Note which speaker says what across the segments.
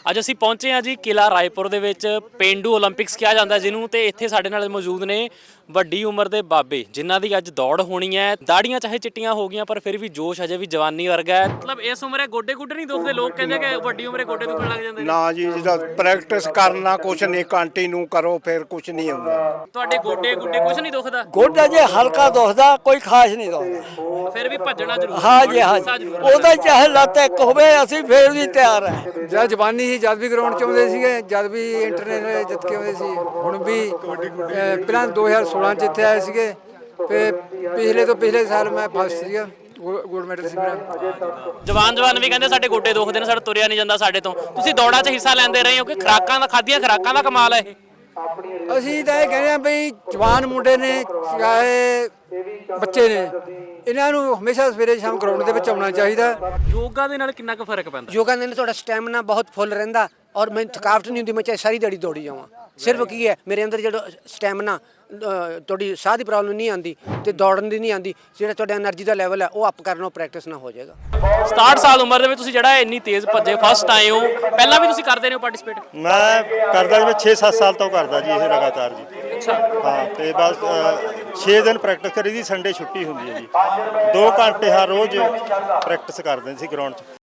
Speaker 1: ਅੱਜ ਅਸੀਂ ਪਹੁੰਚੇ ਹਾਂ ਜੀ ਕਿਲਾ ਰਾਏਪੁਰ ਦੇ ਵਿੱਚ ਪੇਂਡੂ ਓਲੰਪਿਕਸ ਕਿਹਾ ਜਾਂਦਾ ਜਿਹਨੂੰ ਤੇ ਇੱਥੇ ਸਾਡੇ ਨਾਲ ਮੌਜੂਦ ਨੇ ਵੱਡੀ ਉਮਰ ਦੇ ਬਾਬੇ ਜਿਨ੍ਹਾਂ ਦੀ ਅੱਜ ਦੌੜ ਹੋਣੀ ਹੈ। ਦਾੜੀਆਂ ਚਾਹੇ ਚਿੱਟੀਆਂ ਹੋ ਗਈਆਂ ਪਰ ਫਿਰ ਵੀ ਜੋਸ਼ ਅਜੇ ਵੀ ਜਵਾਨੀ ਵਰਗਾ ਹੈ। ਮਤਲਬ ਇਸ ਉਮਰੇ ਗੋਡੇ ਗੁੱਡੇ ਨਹੀਂ ਦੁਖਦੇ, ਲੋਕ ਕਹਿੰਦੇ ਕਿ ਵੱਡੀ ਉਮਰੇ ਗੋਡੇ ਦੁਖਣ ਲੱਗ ਜਾਂਦੇ ਨੇ।
Speaker 2: ਨਾ ਜੀ, ਜਿਹਦਾ ਪ੍ਰੈਕਟਿਸ ਕਰਨਾ ਕੁਛ ਨਹੀਂ, ਕੰਟੀਨਿਊ ਕਰੋ ਫਿਰ ਕੁਛ ਨਹੀਂ ਹੁੰਦਾ।
Speaker 1: ਤੁਹਾਡੇ ਗੋਡੇ ਗੁੱਡੇ ਕੁਝ ਨਹੀਂ ਦੁਖਦਾ?
Speaker 3: ਗੋਡਾ ਜੇ ਹਲਕਾ ਦੁਖਦਾ, ਕੋਈ ਖਾਸ ਨਹੀਂ ਦੁਖਦਾ।
Speaker 1: ਫਿਰ ਵੀ ਭੱਜਣਾ ਜ਼ਰੂਰੀ
Speaker 3: ਹਾਂ ਜੀ ਹਾਂ ਜੀ, ਉਹਦਾ ਚਾਹੇ ਲੱਤ ਇੱਕ ਹੋਵੇ ਅਸੀਂ ਫੇਰ ਵੀ ਤਿਆਰ ਹੈ।
Speaker 4: ਜਦ ਜਵਾਨੀ ਸੀ ਜਦ ਵੀ ਗਰਾਊਂਡ 'ਚ ਆਉਂਦੇ ਸੀਗੇ, ਜਦ ਵੀ ਇੰਟਰਨੈਸ਼ਨਲ ਜਿੱਤ ਕੇ ਆਉਂਦੇ ਸੀ। ਹੁਣ ਵੀ ਪਹਿਲਾਂ 2016 'ਚ ਇੱਥੇ ਆਏ ਸੀਗੇ ਤੇ ਪਿਛਲੇ ਤੋਂ ਪਿਛਲੇ ਸਾਲ ਮੈਂ ਫਸਟ ਸੀਗਾ, ਗੋਲਡ ਮੈਡਲ ਸੀ ਮੇਰਾ।
Speaker 1: ਜਵਾਨ ਵੀ ਕਹਿੰਦੇ ਸਾਡੇ ਗੋਡੇ ਦੁਖਦੇ ਨੇ, ਸਾਡਾ ਤੁਰਿਆ ਨਹੀਂ ਜਾਂਦਾ ਸਾਡੇ ਤੋਂ। ਤੁਸੀਂ ਦੌੜਾਂ 'ਚ ਹਿੱਸਾ ਲੈਂਦੇ ਰਹੇ ਹੋ ਕਿ ਖੁਰਾਕਾਂ ਦਾ ਖਾਧੀਆਂ ਖੁਰਾਕਾਂ ਦਾ ਕਮਾਲ ਹੈ ਇਹ?
Speaker 4: ਅਸੀਂ ਤਾਂ ਇਹ ਕਹਿੰਦੇ ਆ ਬਈ ਜਵਾਨ ਮੁੰਡੇ ਨੇ ਚਾਹੇ ਬੱਚੇ ਨੇ, ਇਹਨਾਂ ਨੂੰ ਹਮੇਸ਼ਾ ਸਵੇਰੇ ਸ਼ਾਮ ਗਰਾਊਂਡ ਦੇ ਵਿੱਚ ਆਉਣਾ ਚਾਹੀਦਾ।
Speaker 1: ਯੋਗਾ ਦੇ ਨਾਲ ਕਿੰਨਾ ਕੁ ਫਰਕ ਪੈਂਦਾ?
Speaker 5: ਯੋਗਾ ਨਾਲ ਤੁਹਾਡਾ ਸਟੈਮਿਨਾ ਬਹੁਤ ਫੁੱਲ ਰਹਿੰਦਾ ਔਰ ਮੈਨੂੰ ਥਕਾਵਟ ਨਹੀਂ ਹੁੰਦੀ। ਮੈਂ ਚਾਹੇ ਸਾਰੀ ਦਿਹਾੜੀ ਦੌੜੀ ਜਾਵਾਂ, ਸਿਰਫ ਕੀ ਹੈ ਮੇਰੇ ਅੰਦਰ ਜਿਹੜਾ ਸਟੈਮਿਨਾ, ਤੁਹਾਡੀ ਸਾਹ ਦੀ ਪ੍ਰੋਬਲਮ ਨਹੀਂ ਆਉਂਦੀ ਤੇ ਦੌੜਨ ਦੀ ਨਹੀਂ ਆਉਂਦੀ। ਜਿਹੜਾ ਤੁਹਾਡਾ એનર્ਜੀ ਦਾ ਲੈਵਲ ਹੈ ਉਹ ਅਪ ਕਰਨਾ, ਪ੍ਰੈਕਟਿਸ ਨਾਲ ਹੋ ਜਾਏਗਾ।
Speaker 1: 67 ਸਾਲ ਉਮਰ ਦੇ ਵਿੱਚ ਤੁਸੀਂ ਜਿਹੜਾ ਇੰਨੀ ਤੇਜ਼ ਭੱਜੇ, ਫਸਟ ਆਏ ਹੋ। ਪਹਿਲਾਂ ਵੀ ਤੁਸੀਂ ਕਰਦੇ ਰਹੇ ਹੋ ਪਾਰਟਿਸਿਪੇਟ?
Speaker 6: ਮੈਂ ਕਰਦਾ ਜੀ, ਮੈਂ 6-7 ਸਾਲ ਤੋਂ ਕਰਦਾ ਜੀ ਇਹ ਲਗਾਤਾਰ ਜੀ।
Speaker 1: ਅੱਛਾ।
Speaker 6: ਹਾਂ, ਤੇ ਬਸ 6 ਦਿਨ ਪ੍ਰੈਕਟਿਸ ਕਰੀ ਦੀ, ਸੰਡੇ ਛੁੱਟੀ ਹੁੰਦੀ ਹੈ ਜੀ। 2 ਘੰਟੇ ਹਰ ਰੋਜ਼ ਪ੍ਰੈਕਟਿਸ ਕਰਦੇ ਸੀ ਗਰਾਊਂਡ 'ਚ।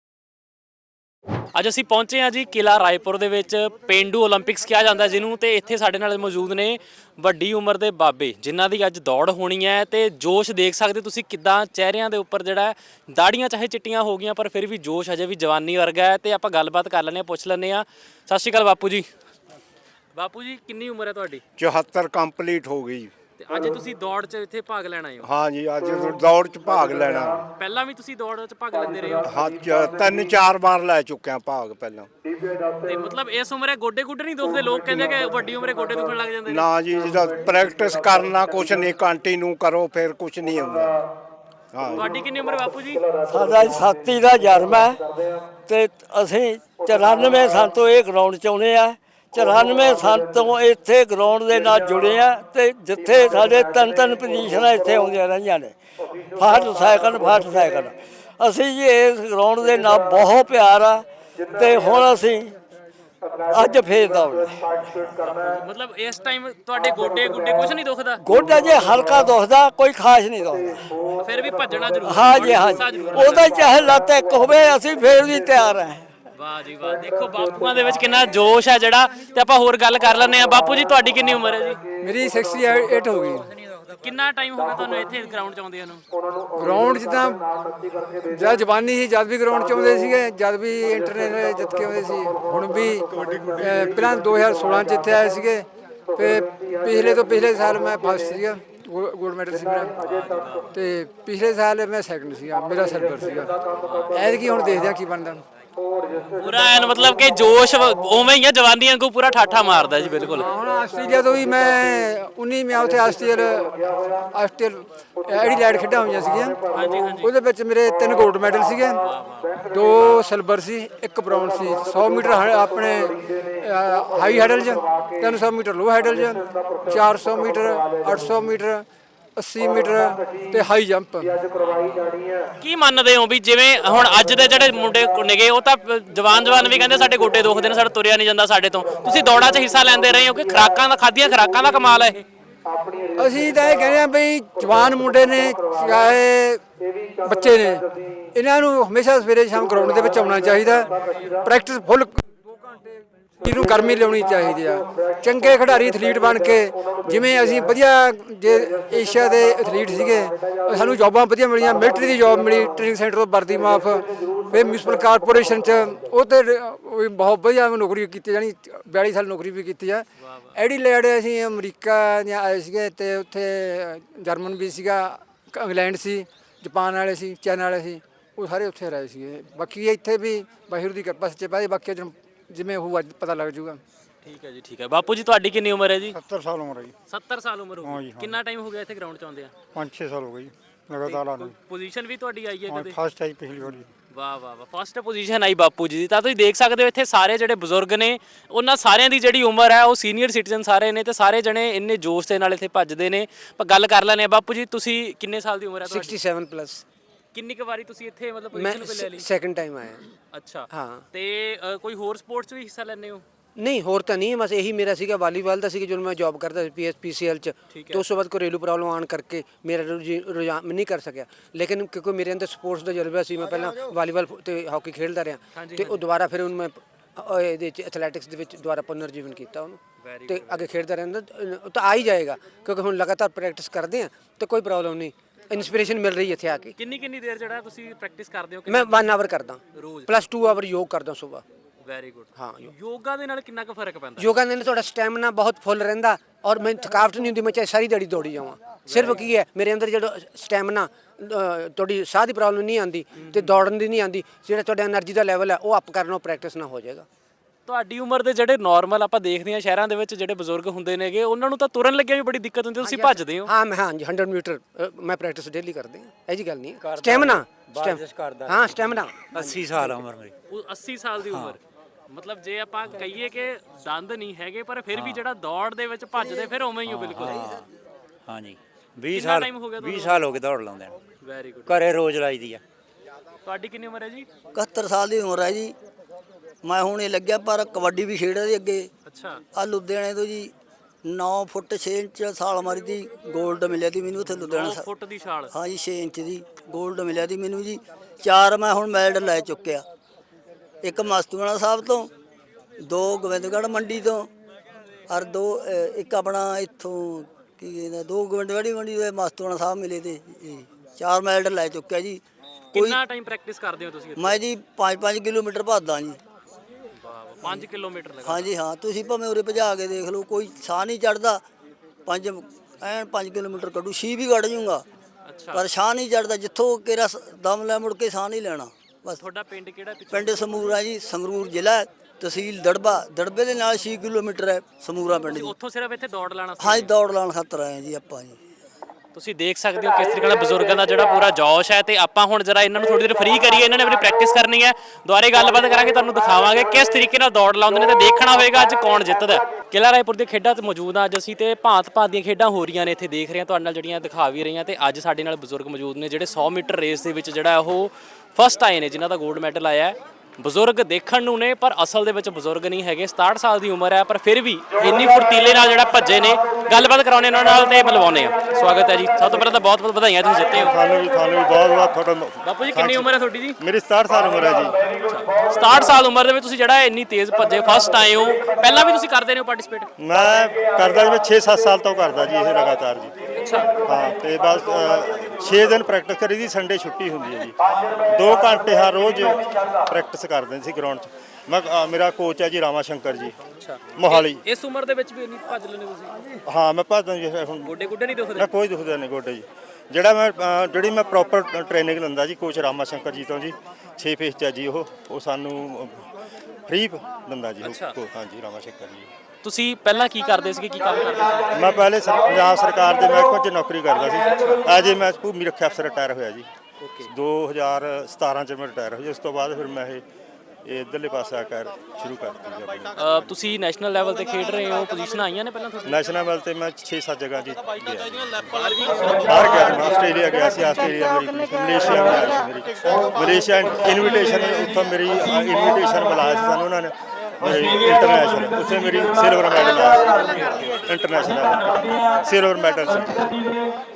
Speaker 1: ਅੱਜ ਅਸੀਂ ਪਹੁੰਚੇ ਹਾਂ ਜੀ ਕਿਲਾ ਰਾਏਪੁਰ ਦੇ ਵਿੱਚ ਪੇਂਡੂ ਓਲੰਪਿਕਸ ਕਿਹਾ ਜਾਂਦਾ ਜਿਹਨੂੰ ਤੇ ਇੱਥੇ ਸਾਡੇ ਨਾਲ ਮੌਜੂਦ ਨੇ ਵੱਡੀ ਉਮਰ ਦੇ ਬਾਬੇ ਜਿਨ੍ਹਾਂ ਦੀ ਅੱਜ ਦੌੜ ਹੋਣੀ ਹੈ। ਤੇ ਜੋਸ਼ ਦੇਖ ਸਕਦੇ ਤੁਸੀਂ ਕਿੱਦਾਂ ਚਿਹਰਿਆਂ ਦੇ ਉੱਪਰ ਜਿਹੜਾ ਦਾੜੀਆਂ ਚਾਹੇ ਚਿੱਟੀਆਂ ਹੋ ਗਈਆਂ ਪਰ ਫਿਰ ਵੀ ਜੋਸ਼ ਅਜੇ ਵੀ ਜਵਾਨੀ ਵਰਗਾ ਹੈ। ਤੇ ਆਪਾਂ ਗੱਲਬਾਤ ਕਰ ਲੈਂਦੇ ਹਾਂ, ਪੁੱਛ ਲੈਂਦੇ ਹਾਂ। ਸਤਿ ਸ਼੍ਰੀ ਅਕਾਲ ਬਾਪੂ ਜੀ। ਬਾਪੂ ਜੀ ਕਿੰਨੀ ਉਮਰ ਹੈ ਤੁਹਾਡੀ?
Speaker 2: 74 ਕੰਪਲੀਟ ਹੋ ਗਈ।
Speaker 1: ਤੇ ਅੱਜ ਤੁਸੀਂ ਦੌੜ 'ਚ ਇੱਥੇ ਭਾਗ ਲੈਣ ਆਏ ਹੋ?
Speaker 2: ਹਾਂ ਜੀ, ਅੱਜ ਦੌੜ 'ਚ ਭਾਗ ਲੈਣਾ।
Speaker 1: ਪਹਿਲਾਂ ਵੀ ਤੁਸੀਂ ਦੌੜ 'ਚ ਭਾਗ ਲੈਂਦੇ ਰਹੇ ਹੋ?
Speaker 2: ਹਾਂ, 3-4 ਵਾਰ ਲੈ ਚੁੱਕਿਆ ਭਾਗ ਪਹਿਲਾਂ।
Speaker 1: ਤੇ ਮਤਲਬ ਇਸ ਉਮਰੇ ਗੋਡੇ ਗੁੱਡੇ ਨਹੀਂ ਦੁਖਦੇ, ਲੋਕ ਕਹਿੰਦੇ ਕਿ ਵੱਡੀ ਉਮਰੇ ਗੋਡੇ ਦੁਖਣ ਲੱਗ ਜਾਂਦੇ ਨੇ।
Speaker 2: ਨਾ ਜੀ, ਜਿਹਦਾ ਪ੍ਰੈਕਟਿਸ ਕਰਨਾ ਕੁਛ ਨਹੀਂ, ਕੰਟੀਨਿਊ ਕਰੋ ਫਿਰ ਕੁਛ ਨਹੀਂ ਹੁੰਦਾ। ਹਾਂ।
Speaker 1: ਤੁਹਾਡੀ ਕਿੰਨੀ ਉਮਰ ਹੈ ਬਾਪੂ ਜੀ?
Speaker 3: ਸਾਡਾ 87 ਦਾ ਜਨਮ ਹੈ ਤੇ ਅਸੀਂ 94 ਸਾਲ ਤੋਂ ਇਹ ਗਰਾਊਂਡ 'ਚ ਆਉਂਦੇ ਆ। 94 ਸਾਲ ਤੋਂ ਇੱਥੇ ਗਰਾਊਂਡ ਦੇ ਨਾਲ ਜੁੜੇ ਆ ਤੇ ਜਿੱਥੇ ਸਾਡੇ 3 ਪੋਜੀਸ਼ਨਾਂ ਇੱਥੇ ਆਉਂਦੀਆਂ ਰਹੀਆਂ ਨੇ, ਫਸਟ ਸੈਕੰਡ। ਅਸੀਂ ਜੀ ਇਸ ਗਰਾਊਂਡ ਦੇ ਨਾਲ ਬਹੁਤ ਪਿਆਰ ਆ ਤੇ ਹੁਣ ਅਸੀਂ ਅੱਜ ਫੇਰ ਦੌੜਨਾ।
Speaker 1: ਮਤਲਬ ਇਸ ਟਾਈਮ ਤੁਹਾਡੇ ਗੋਡੇ ਗੁੱਡੇ ਕੁਝ ਨਹੀਂ ਦੁਖਦਾ?
Speaker 3: ਗੋਡਾ ਜੇ ਹਲਕਾ ਦੁਖਦਾ, ਕੋਈ ਖਾਸ ਨਹੀਂ ਦੁਖਦਾ।
Speaker 1: ਫਿਰ ਵੀ ਭੱਜਣਾ ਜ਼ਰੂਰੀ
Speaker 3: ਹਾਂ ਜੀ ਹਾਂ ਜੀ, ਉਹਦਾ ਚਾਹੇ ਲੱਤ ਇੱਕ ਹੋਵੇ ਅਸੀਂ ਫੇਰ ਵੀ ਤਿਆਰ ਹੈ।
Speaker 1: ਵਾਹ ਜੀ ਵਾਹ, ਦੇਖੋ ਬਾਪੂਆਂ ਦੇ ਵਿੱਚ ਕਿੰਨਾ ਜੋਸ਼ ਹੈ ਜਿਹੜਾ। ਤੇ ਆਪਾਂ ਹੋਰ ਗੱਲ ਕਰ ਲੈਂਦੇ ਆ। ਬਾਪੂ ਜੀ ਤੁਹਾਡੀ ਕਿੰਨੀ ਉਮਰ ਹੈ ਜੀ?
Speaker 4: ਮੇਰੀ 68 ਹੋ ਗਈ।
Speaker 1: ਕਿੰਨਾ ਟਾਈਮ ਹੋ ਗਿਆ ਤੁਹਾਨੂੰ ਇੱਥੇ ਗਰਾਊਂਡ 'ਚ ਆਉਂਦਿਆਂ ਨੂੰ?
Speaker 4: ਗਰਾਊਂਡ 'ਚ ਤਾਂ ਜਦ ਜਵਾਨੀ ਸੀ ਜਦ ਵੀ ਗਰਾਊਂਡ 'ਚ ਆਉਂਦੇ ਸੀਗੇ, ਜਦ ਵੀ ਇੰਟਰਨੈਸ਼ਨਲ ਜਿੱਤ ਕੇ ਆਉਂਦੇ ਸੀ। ਹੁਣ ਵੀ ਪਹਿਲਾਂ 2016 'ਚ ਇੱਥੇ ਆਏ ਸੀਗੇ ਤੇ ਪਿਛਲੇ ਤੋਂ ਪਿਛਲੇ ਸਾਲ ਮੈਂ ਫਸਟ ਸੀਗਾ, ਗੋਲਡ ਮੈਡਲ ਸੀ ਮੇਰਾ। ਤੇ ਪਿਛਲੇ ਸਾਲ ਮੈਂ ਸੈਕੰਡ ਸੀਗਾ, ਮੇਰਾ ਸਿਲਵਰ ਸੀਗਾ। ਐਤਕੀ ਹੁਣ ਦੇਖਦੇ ਆ ਕੀ ਬਣਦਾ।
Speaker 1: ਪੂਰਾ ਐਨ ਮਤਲਬ ਕਿ ਜੋਸ਼ ਉਵੇਂ ਹੀ ਆ, ਜਵਾਨੀਆਂ ਨੂੰ ਪੂਰਾ ਠਾਠਾ ਮਾਰਦਾ ਜੀ। ਬਿਲਕੁਲ।
Speaker 4: ਹੁਣ ਆਸਟ੍ਰੇਲੀਆ ਤੋਂ ਵੀ ਮੈਂ 19 ਮੈਂ ਉੱਥੇ ਆਸਟ੍ਰੇਲੀਆ ਐਡੀਲੇਡ ਖੇਡਾਂ ਹੋਈਆਂ ਸੀਗੀਆਂ। ਉਹਦੇ ਵਿੱਚ ਮੇਰੇ 3 ਗੋਲਡ ਮੈਡਲ ਸੀਗੇ, 2 ਸਿਲਵਰ ਸੀ, 1 ਬ੍ਰੌਂਜ਼ ਸੀ। 100 ਮੀਟਰ ਆਪਣੇ ਹਾਈ ਹੈਡਲ 'ਚ, 300 ਮੀਟਰ ਲੋ ਹੈਡਲ 'ਚ, 400 ਮੀਟਰ, 800 ਮੀਟਰ, 80 ਮੀਟਰ ਤੇ ਹਾਈ ਜੰਪ।
Speaker 1: ਕੀ ਮੰਨਦੇ ਹੋ ਵੀ ਜਿਵੇਂ ਹੁਣ ਅੱਜ ਦੇ ਜਿਹੜੇ ਮੁੰਡੇ ਨੇਗੇ ਉਹ ਤਾਂ ਜਵਾਨ ਵੀ ਕਹਿੰਦੇ ਸਾਡੇ ਗੋਡੇ ਦੁਖਦੇ ਨੇ, ਸਾਡਾ ਤੁਰਿਆ ਨਹੀਂ ਜਾਂਦਾ ਸਾਡੇ ਤੋਂ। ਤੁਸੀਂ ਦੌੜਾਂ 'ਚ ਹਿੱਸਾ ਲੈਂਦੇ ਰਹੇ ਹੋ ਕਿ ਖੁਰਾਕਾਂ ਦਾ ਖਾਧੀਆਂ ਖੁਰਾਕਾਂ ਦਾ ਕਮਾਲ ਹੈ ਇਹ?
Speaker 4: ਅਸੀਂ ਤਾਂ ਇਹ ਕਹਿੰਦੇ ਆ ਬਈ ਜਵਾਨ ਮੁੰਡੇ ਨੇ ਚਾਹੇ ਬੱਚੇ ਨੇ, ਇਹਨਾਂ ਨੂੰ ਹਮੇਸ਼ਾ ਸਵੇਰੇ ਸ਼ਾਮ ਗਰਾਊਂਡ ਦੇ ਵਿੱਚ ਆਉਣਾ ਚਾਹੀਦਾ। ਪ੍ਰੈਕਟਿਸ ਫੁੱਲ, 2 ਘੰਟੇ ਇਹਨੂੰ ਗਰਮੀ ਲਾਉਣੀ ਚਾਹੀਦੀ ਆ। ਚੰਗੇ ਖਿਡਾਰੀ ਐਥਲੀਟ ਬਣ ਕੇ, ਜਿਵੇਂ ਅਸੀਂ ਵਧੀਆ ਜੇ ਏਸ਼ੀਆ ਦੇ ਐਥਲੀਟ ਸੀਗੇ, ਸਾਨੂੰ ਜੋਬਾਂ ਵਧੀਆ ਮਿਲੀਆਂ। ਮਿਲਟਰੀ ਦੀ ਜੋਬ ਮਿਲੀ, ਟ੍ਰੇਨਿੰਗ ਸੈਂਟਰ ਤੋਂ ਵਰਦੀ ਮਾਫ। ਫਿਰ ਮਿਊਨਿਸਪਲ ਕਾਰਪੋਰੇਸ਼ਨ 'ਚ ਉਹ ਤੇ ਬਹੁਤ ਵਧੀਆ ਨੌਕਰੀ ਕੀਤੀ, ਜਾਣੀ 42 ਸਾਲ ਨੌਕਰੀ ਵੀ ਕੀਤੀ ਆ। ਐਡੀਲੇਡ ਅਸੀਂ ਅਮਰੀਕਾ ਜਾਂ ਆਏ ਸੀਗੇ ਤੇ ਉੱਥੇ ਜਰਮਨ ਵੀ ਸੀਗਾ, ਇੰਗਲੈਂਡ ਸੀ, ਜਾਪਾਨ ਵਾਲੇ ਸੀ, ਚਾਈਨਾ ਵਾਲੇ ਸੀ, ਉਹ ਸਾਰੇ ਉੱਥੇ ਰਹੇ ਸੀਗੇ। ਬਾਕੀ ਇੱਥੇ ਵੀ ਵਾਹਿਗੁਰੂ ਦੀ ਕਿਰਪਾ ਸੱਚੇ ਪਾਤਸ਼ਾਹ, ਬਾਕੀ ਜਿਵੇਂ ਉਹ ਅੱਜ ਪਤਾ ਲੱਗ ਜੂਗਾ।
Speaker 1: ਠੀਕ ਹੈ ਜੀ, ਠੀਕ ਹੈ। ਬਾਪੂ ਜੀ ਤੁਹਾਡੀ ਕਿੰਨੀ ਉਮਰ ਹੈ ਜੀ?
Speaker 6: 70 ਸਾਲ ਉਮਰ ਹੈ ਜੀ।
Speaker 1: 70 ਸਾਲ ਉਮਰ ਹੋ ਗਈ। ਕਿੰਨਾ ਟਾਈਮ ਹੋ ਗਿਆ ਇੱਥੇ ਗਰਾਊਂਡ 'ਚ ਆਉਂਦੇ ਆ?
Speaker 6: 5-6 ਸਾਲ ਹੋ ਗਏ ਜੀ ਲਗਾਤਾਰ ਆਉਂਦੇ।
Speaker 1: ਪੋਜੀਸ਼ਨ ਵੀ ਤੁਹਾਡੀ ਆਈ ਹੈ ਕਦੇ?
Speaker 6: ਫਸਟ ਆਈ ਪਿਛਲੀ ਵਾਰੀ।
Speaker 1: ਵਾਹ ਵਾਹ ਵਾਹ, ਫਸਟ ਪੋਜੀਸ਼ਨ ਆਈ ਬਾਪੂ ਜੀ ਦੀ। ਤਾਂ ਤੁਸੀਂ ਦੇਖ ਸਕਦੇ ਹੋ ਇੱਥੇ ਸਾਰੇ ਜਿਹੜੇ ਬਜ਼ੁਰਗ ਨੇ ਉਹਨਾਂ ਸਾਰਿਆਂ ਦੀ ਜਿਹੜੀ ਉਮਰ ਹੈ ਉਹ ਸੀਨੀਅਰ ਸਿਟੀਜ਼ਨ ਸਾਰੇ ਨੇ ਤੇ ਸਾਰੇ ਜਣੇ ਇੰਨੇ ਜੋਸ਼ ਦੇ ਨਾਲ ਇੱਥੇ ਭੱਜਦੇ ਨੇ। ਪਰ ਗੱਲ ਕਰ ਲੈਂਦੇ ਆ ਬਾਪੂ ਜੀ, ਤੁਸੀਂ ਕਿੰਨੇ ਸਾਲ ਦੀ ਉਮਰ ਹੈ ਤੁਹਾਡੀ?
Speaker 5: 67 ਪਲੱਸ।
Speaker 1: ਕਿੰਨੀ ਕੁ ਵਾਰੀ ਤੁਸੀਂ ਇੱਥੇ ਮਤਲਬ
Speaker 5: ਮੈਂ
Speaker 1: ਪੋਜੀਸ਼ਨ ਕੋਈ ਲੈ ਲਈ?
Speaker 5: ਸੈਕੰਡ ਟਾਈਮ ਆਇਆ।
Speaker 1: ਅੱਛਾ
Speaker 5: ਹਾਂ।
Speaker 1: ਤੇ ਕੋਈ ਹੋਰ ਸਪੋਰਟਸ 'ਚ ਵੀ ਹਿੱਸਾ ਲੈਂਦੇ ਹੋ?
Speaker 5: ਨਹੀਂ ਹੋਰ ਤਾਂ ਨਹੀਂ, ਬਸ ਇਹੀ ਮੇਰਾ ਸੀਗਾ ਵਾਲੀਬਾਲ ਦਾ ਸੀਗਾ ਜਦੋਂ ਮੈਂ ਜੌਬ ਕਰਦਾ ਸੀ ਪੀਐਸਪੀਸੀਐਲ ਚ। ਤੇ ਉਸ ਤੋਂ ਬਾਅਦ ਘਰੇਲੂ ਪ੍ਰੋਬਲਮ ਆਉਣ ਕਰਕੇ ਮੇਰਾ ਰੁਝਾਨ ਨਹੀਂ ਕਰ ਸਕਿਆ, ਲੇਕਿਨ ਕਿਉਂਕਿ ਮੇਰੇ ਅੰਦਰ ਸਪੋਰਟਸ ਦਾ ਜਜ਼ਬਾ ਸੀ, ਮੈਂ ਪਹਿਲਾਂ ਵਾਲੀਬਾਲ ਤੇ ਹਾਕੀ ਖੇਡਦਾ ਰਿਹਾ ਤੇ ਉਹ ਦੁਬਾਰਾ ਫਿਰ ਉਹਨੂੰ ਮੈਂ ਇਹਦੇ ਚ ਐਥਲੈਟਿਕਸ ਦੇ ਵਿੱਚ ਦੁਬਾਰਾ ਪੁਨਰ ਜੀਵਨ ਕੀਤਾ ਉਹਨੂੰ, ਤੇ ਅੱਗੇ ਖੇਡਦਾ ਰਹਿੰਦਾ। ਉਹ ਤਾਂ ਆ ਹੀ ਜਾਏਗਾ ਕਿਉਂਕਿ ਹੁਣ ਲਗਾਤਾਰ ਪ੍ਰੈਕਟਿਸ ਕਰਦੇ ਆ ਤੇ ਕੋਈ ਪ੍ਰੋਬਲਮ ਨਹੀਂ, ਇਨਸਪੀਰੇਸ਼ਨ ਮਿਲ ਰਹੀ ਇੱਥੇ ਆ ਕੇ।
Speaker 1: ਕਿੰਨੀ ਦੇਰ ਜਿਹੜਾ ਤੁਸੀਂ ਪ੍ਰੈਕਟਿਸ ਕਰਦੇ ਹੋ?
Speaker 5: ਮੈਂ 1 ਆਵਰ ਕਰਦਾ
Speaker 1: ਰੋਜ਼?
Speaker 5: ਪਲੱਸ 2 ਆਵਰ ਯੋਗ ਕਰਦਾ ਸੁਬਾਹ।
Speaker 1: Very good.
Speaker 5: ਹਾਂ,
Speaker 1: ਯੋਗਾ ਦੇ ਨਾਲ ਕਿੰਨਾ ਕੁ ਫਰਕ ਪੈਂਦਾ?
Speaker 5: ਯੋਗਾ ਦੇ ਨਾਲ ਤੁਹਾਡਾ ਸਟੈਮਿਨਾ ਬਹੁਤ ਫੁੱਲ ਰਹਿੰਦਾ ਔਰ ਮੈਨੂੰ ਥਕਾਵਟ ਨਹੀਂ ਹੁੰਦੀ, ਮੈਂ ਚਾਹੇ ਸਾਰੀ ਦਿਹਾੜੀ ਦੌੜੀ ਜਾਵਾਂ। ਸਿਰਫ ਕੀ ਹੈ ਮੇਰੇ ਅੰਦਰ ਜਿਹੜਾ ਸਟੈਮਿਨਾ, ਤੁਹਾਡੀ ਸਾਹ ਦੀ ਪ੍ਰੋਬਲਮ ਨਹੀਂ ਆਉਂਦੀ ਤੇ ਦੌੜਨ ਦੀ ਨਹੀਂ ਆਉਂਦੀ, ਜਿਹੜਾ ਤੁਹਾਡਾ એનર્ਜੀ ਦਾ ਲੈਵਲ ਹੈ ਉਹ ਅਪ ਕਰਨਾ ਪ੍ਰੈਕਟਿਸ ਨਾਲ ਹੋ ਜਾਏਗਾ।
Speaker 1: ਤੁਹਾਡੀ ਉਮਰ ਦੇ ਜਿਹੜੇ ਨਾਰਮਲ ਆਪਾਂ ਦੇਖਦੇ ਹਾਂ ਸ਼ਹਿਰਾਂ ਦੇ ਵਿੱਚ ਜਿਹੜੇ ਬਜ਼ੁਰਗ ਹੁੰਦੇ ਨੇਗੇ, ਉਹਨਾਂ ਨੂੰ ਤਾਂ ਤੁਰਨ ਲੱਗਿਆ ਵੀ ਬੜੀ ਦਿੱਕਤ ਹੁੰਦੀ, ਤੁਸੀਂ ਭੱਜਦੇ ਹੋ।
Speaker 5: ਹਾਂ, ਮੈਂ ਹਾਂਜੀ 100 ਮੀਟਰ ਮੈਂ ਪ੍ਰੈਕਟਿਸ ਡੇਲੀ ਕਰਦੇ ਹਾਂ, ਇਹ ਜੀ ਗੱਲ ਨਹੀਂ ਹੈ। ਸਟੈਮਿਨਾ ਹਾਂ, ਸਟੈਮਿਨਾ
Speaker 7: 80 ਸਾਲ ਉਮਰ ਮੇਰੀ।
Speaker 1: ਉਹ 80 ਸਾਲ ਦੀ ਉਮਰ, ਮਤਲਬ ਜੇ ਆਪਾਂ ਕਹੀਏ ਕਿ ਦੰਦ ਨਹੀਂ ਹੈਗੇ ਪਰ ਫਿਰ ਵੀ ਜਿਹੜਾ ਦੌੜ ਦੇ ਵਿੱਚ ਭੱਜਦੇ ਫਿਰ ਉਵੇਂ ਹੀ ਹੋ ਬਿਲਕੁਲ।
Speaker 7: ਹਾਂਜੀ 20
Speaker 1: ਕਿੰਨਾ
Speaker 7: ਸਾਲ
Speaker 1: time ਹੋ ਗਿਆ
Speaker 7: 20 ਸਾਲ ਹੋ ਗਏ ਦੌੜ ਲਾਉਂਦੇ ਨੂੰ।
Speaker 1: Very good.
Speaker 7: ਘਰੇ ਰੋਜ਼ ਲਾਈਦੀ ਆ।
Speaker 1: ਤੁਹਾਡੀ ਕਿੰਨੀ ਉਮਰ ਹੈ ਜੀ?
Speaker 8: 71 ਸਾਲ ਦੀ ਉਮਰ ਹੈ ਜੀ। ਮੈਂ ਹੁਣ ਇਹ ਲੱਗਿਆ ਪਰ ਕਬੱਡੀ ਵੀ ਖੇਡਦਾ ਸੀ ਅੱਗੇ।
Speaker 1: ਅੱਛਾ।
Speaker 8: ਆ ਲੁਧਿਆਣੇ ਤੋਂ ਜੀ 9 ਫੁੱਟ 6 ਇੰਚ ਛਾਲ ਮਾਰੀ ਦੀ, 골ਡ ਮਿਲਿਆ ਦੀ ਮੈਨੂੰ ਉੱਥੇ
Speaker 1: 9
Speaker 8: ਲੁਧਿਆਣਾ।
Speaker 1: ਫੁੱਟ ਦੀ ਛਾਲ?
Speaker 8: ਹਾਂ ਜੀ 6 ਇੰਚ ਦੀ 골ਡ ਮਿਲਿਆ ਦੀ ਮੈਨੂੰ ਜੀ। 4 ਮੈਂ ਹੁਣ ਮੈਡਲ ਲੈ ਚੁੱਕਿਆ, ਇੱਕ ਮਸਤੂਆਣਾ ਸਾਹਿਬ ਤੋਂ, 2 ਗੋਬਿੰਦਗੜ੍ਹ ਮੰਡੀ ਤੋਂ, ਔਰ 2 ਇੱਕ ਆਪਣਾ ਇੱਥੋਂ ਕੀ ਕਹਿੰਦਾ 2 ਗੋਬਿੰਦਗੜ੍ਹ ਮੰਡੀ ਦੇ ਮਸਤੂਆਣਾ ਸਾਹਿਬ ਮਿਲੇ ਤੇ 4 ਮੈਡਲ ਲੈ ਚੁੱਕਿਆ ਜੀ।
Speaker 1: ਕਿੰਨਾ ਟਾਈਮ ਪ੍ਰੈਕਟਿਸ ਕਰਦੇ ਹੋ ਤੁਸੀਂ?
Speaker 8: ਮੈਂ ਜੀ 5-5 ਕਿਲੋਮੀਟਰ ਭੱਜਦਾ ਜੀ।
Speaker 1: 5 ਕਿਲੋਮੀਟਰ ਲਗਾ?
Speaker 8: ਹਾਂਜੀ ਹਾਂ, ਤੁਸੀਂ ਭਾਵੇਂ ਉਰੇ ਭਜਾ ਕੇ ਦੇਖ ਲਓ, ਕੋਈ ਸਾਹ ਨਹੀਂ ਚੜਦਾ। 5 ਕਿਲੋਮੀਟਰ ਕੱਢੂ, 6 ਵੀ ਕੱਢ ਜੂੰਗਾ ਪਰ ਸਾਹ ਨਹੀਂ ਚੜਦਾ। ਜਿੱਥੋਂ ਕਿਹੜਾ ਦਮ ਲੈ ਮੁੜ ਕੇ ਸਾਹ ਨਹੀਂ ਲੈਣਾ ਬਸ।
Speaker 1: ਤੁਹਾਡਾ ਪਿੰਡ ਕਿਹੜਾ?
Speaker 8: ਪਿੰਡ ਸਮੂਰਾ ਜੀ, ਸੰਗਰੂਰ ਜ਼ਿਲ੍ਹਾ, ਤਹਿਸੀਲ ਦੜਬਾ। ਦੜਬੇ ਦੇ ਨਾਲ 6 ਕਿਲੋਮੀਟਰ ਹੈ ਸਮੂਰਾ ਪਿੰਡ ਜੀ।
Speaker 1: ਉੱਥੋਂ ਸਿਰਫ ਇੱਥੇ ਦੌੜ ਲਾਣਾ?
Speaker 8: ਹਾਂਜੀ, ਦੌੜ ਲਾਉਣ ਖਾਤਰ ਆਏ ਜੀ ਆਪਾਂ ਜੀ।
Speaker 1: ਤੁਸੀਂ ਦੇਖ ਸਕਦੇ ਹੋ ਕਿਸ ਤਰੀਕੇ ਨਾਲ ਬਜ਼ੁਰਗਾਂ ਦਾ ਜਿਹੜਾ ਪੂਰਾ ਜੋਸ਼ ਹੈ। ਤੇ ਆਪਾਂ ਹੁਣ ਜਰਾ ਇਹਨਾਂ ਨੂੰ ਥੋੜੀ ਦੇਰ ਫ੍ਰੀ ਕਰੀਏ, ਇਹਨਾਂ ਨੇ ਆਪਣੀ ਪ੍ਰੈਕਟਿਸ ਕਰਨੀ ਹੈ, ਦੁਬਾਰੇ ਗੱਲਬਾਤ ਕਰਾਂਗੇ, ਤੁਹਾਨੂੰ ਦਿਖਾਵਾਂਗੇ ਕਿਸ ਤਰੀਕੇ ਨਾਲ ਦੌੜ ਲਾਉਂਦੇ ਨੇ ਤੇ ਦੇਖਣਾ ਹੋਵੇਗਾ ਅੱਜ ਕੌਣ ਜਿੱਤਦਾ। ਕਿਲ੍ਹਾ ਰਾਏਪੁਰ ਦੀਆਂ ਖੇਡਾਂ 'ਚ ਮੌਜੂਦ ਹਾਂ ਅੱਜ ਅਸੀਂ, ਤੇ ਭਾਂਤ-ਭਾਂਤ ਦੀਆਂ ਖੇਡਾਂ ਹੋ ਰਹੀਆਂ ਨੇ ਇੱਥੇ, ਦੇਖ ਰਹੇ ਹਾਂ ਤੁਹਾਡੇ ਨਾਲ, ਜਿਹੜੀਆਂ ਦਿਖਾ ਵੀ ਰਹੀਆਂ। ਤੇ ਅੱਜ ਸਾਡੇ ਨਾਲ ਬਜ਼ੁਰਗ ਮੌਜੂਦ ਨੇ ਜਿਹੜੇ 100 ਮੀਟਰ ਰੇਸ ਦੇ ਵਿੱਚ ਜਿਹੜਾ ਉਹ ਫਸਟ ਆਏ ਨੇ, ਜਿਨ੍ਹਾਂ ਦਾ 골ਡ ਮੈਡਲ ਆਇਆ ਹੈ। ਬਜ਼ੁਰਗ ਦੇਖਣ ਨੂੰ ਨੇ ਪਰ ਅਸਲ ਦੇ ਵਿੱਚ ਬਜ਼ੁਰਗ ਨਹੀਂ ਹੈਗੇ। 67 ਸਾਲ ਦੀ ਉਮਰ ਹੈ ਪਰ ਫਿਰ ਵੀ ਇੰਨੀ ਫੁਰਤੀਲੇ ਨਾਲ ਜਿਹੜਾ ਭੱਜੇ ਨੇ। ਗੱਲਬਾਤ ਕਰਾਉਣੇ ਉਹਨਾਂ ਨਾਲ ਤੇ ਮਿਲਵਾਉਂਦੇ ਆ। ਸਵਾਗਤ ਹੈ ਜੀ। ਸਭ ਤੋਂ ਪਹਿਲਾਂ ਤਾਂ ਬਹੁਤ ਬਹੁਤ ਵਧਾਈਆਂ, ਤੁਸੀਂ ਜਿੱਤੇ ਹੋ।
Speaker 6: ਤੁਹਾਨੂੰ ਵੀ ਬਹੁਤ ਬਹੁਤ ਤੁਹਾਡਾ।
Speaker 1: ਬਾਪੂ ਜੀ ਕਿੰਨੀ ਉਮਰ ਹੈ ਤੁਹਾਡੀ ਜੀ?
Speaker 6: ਮੇਰੀ 67 ਸਾਲ ਉਮਰ ਹੈ ਜੀ।
Speaker 1: 67 ਸਾਲ ਉਮਰ ਦੇ ਵਿੱਚ ਤੁਸੀਂ ਜਿਹੜਾ ਇੰਨੀ ਤੇਜ਼ ਭੱਜੇ, ਫਸਟ ਆਏ ਹੋ। ਪਹਿਲਾਂ ਵੀ ਤੁਸੀਂ ਕਰਦੇ ਰਹੇ ਹੋ ਪਾਰਟਿਸਿਪੇਟ?
Speaker 6: ਮੈਂ ਕਰਦਾ ਜੀ, 6-7 ਸਾਲ ਤੋਂ ਕਰਦਾ ਜੀ ਇਹ ਲਗਾਤਾਰ ਜੀ।
Speaker 1: ਅੱਛਾ।
Speaker 6: ਹਾਂ, ਤੇ ਬਸ 6 ਦਿਨ ਪ੍ਰੈਕਟਿਸ ਕਰੀ ਦੀ, ਸੰਡੇ ਛੁੱਟੀ ਹੁੰਦੀ ਹੈ ਜੀ। 2 ਘੰਟੇ ਹਰ ਰੋਜ਼ ਪ੍ਰੈਕਟਿਸ ਕਰਦੇ ਸੀ ਗਰਾਊਂਡ 'ਚ। ਮੈਂ ਮੇਰਾ ਕੋਚ ਹੈ ਜੀ ਰਾਮਾ ਸ਼ੰਕਰ ਜੀ, ਮੋਹਾਲੀ।
Speaker 1: ਇਸ ਉਮਰ ਦੇ ਵਿੱਚ ਵੀ ਇੰਨੀ ਭੱਜ ਲੈਂਦੇ ਤੁਸੀਂ?
Speaker 6: ਹਾਂ, ਮੈਂ ਭੱਜਦਾ ਜੀ ਹੁਣ।
Speaker 1: ਗੋਡੇ ਗੁੱਡੇ ਨਹੀਂ ਦੁਖਦੇ?
Speaker 6: ਨਾ, ਕੋਈ ਦੁਖਦਾ ਨਹੀਂ ਗੋਡੇ ਜੀ। ਜਿਹੜੀ ਮੈਂ ਪ੍ਰੋਪਰ ਟ੍ਰੇਨਿੰਗ ਲੈਂਦਾ ਜੀ ਕੋਚ ਰਾਮਾ ਸ਼ੰਕਰ ਜੀ ਤੋਂ ਜੀ। 6 ਫੇਸ 'ਚ ਜੀ ਉਹ ਸਾਨੂੰ ਫ੍ਰੀ ਦਿੰਦਾ ਜੀ। ਹਾਂਜੀ, ਰਾਮਾ ਸ਼ੰਕਰ ਜੀ।
Speaker 1: ਤੁਸੀਂ ਪਹਿਲਾਂ ਕੀ ਕਰਦੇ ਸੀਗੇ, ਕੀ ਕੰਮ ਕਰਦੇ ਸੀ?
Speaker 6: ਮੈਂ ਪਹਿਲੇ ਪੰਜਾਬ ਸਰਕਾਰ ਦੇ ਮਹਿਕਮੇ 'ਚ ਨੌਕਰੀ ਕਰਦਾ ਸੀ। ਅਜੇ ਮੈਂ ਭੂਮੀ ਰੱਖਿਆ ਅਫਸਰ ਰਿਟਾਇਰ ਹੋਇਆ ਜੀ। 2017 'ਚ ਮੈਂ ਰਿਟਾਇਰ ਹੋਇਆ। ਉਸ ਤੋਂ ਬਾਅਦ ਫਿਰ ਮੈਂ ਇਹ ਇੱਧਰਲੇ ਪਾਸੇ ਆ ਕੇ ਸ਼ੁਰੂ ਕਰਤੀ ਜੀ ਆਪਣੀ।
Speaker 1: ਤੁਸੀਂ ਨੈਸ਼ਨਲ ਲੈਵਲ ਤੇ ਖੇਡ ਰਹੇ ਹੋ, ਪੋਜੀਸ਼ਨਾਂ ਆਈਆਂ ਨੇ ਪਹਿਲਾਂ ਤੁਹਾਡੀ?
Speaker 6: ਨੈਸ਼ਨਲ ਲੈਵਲ ਤੇ ਮੈਂ 6-7 ਜਗ੍ਹਾ ਜੀ ਗਿਆ। ਬਾਹਰ ਗਿਆ ਮੈਂ, ਆਸਟ੍ਰੇਲੀਆ ਗਿਆ ਸੀ। ਆਸਟ੍ਰੇਲੀਆ ਮੇਰੀ ਮਲੇਸ਼ੀਆ ਗਿਆ ਸੀ। ਮਲੇਸ਼ੀਆ ਇਨਵੀਟੇਸ਼ਨ, ਉੱਥੋਂ ਮੇਰੀ ਇਨਵੀਟੇਸ਼ਨ ਬੁਲਾਇਆ ਸੀ ਸਾਨੂੰ ਉਹਨਾਂ ਨੇ ਇੰਟਰਨੈਸ਼ਨਲ। ਉੱਥੇ ਮੇਰੀ ਸਿਲਵਰ ਮੈਡਲ ਆਇਆ ਸੀ, ਇੰਟਰਨੈਸ਼ਨਲ ਸਿਲਵਰ ਮੈਡਲ ਸੀ।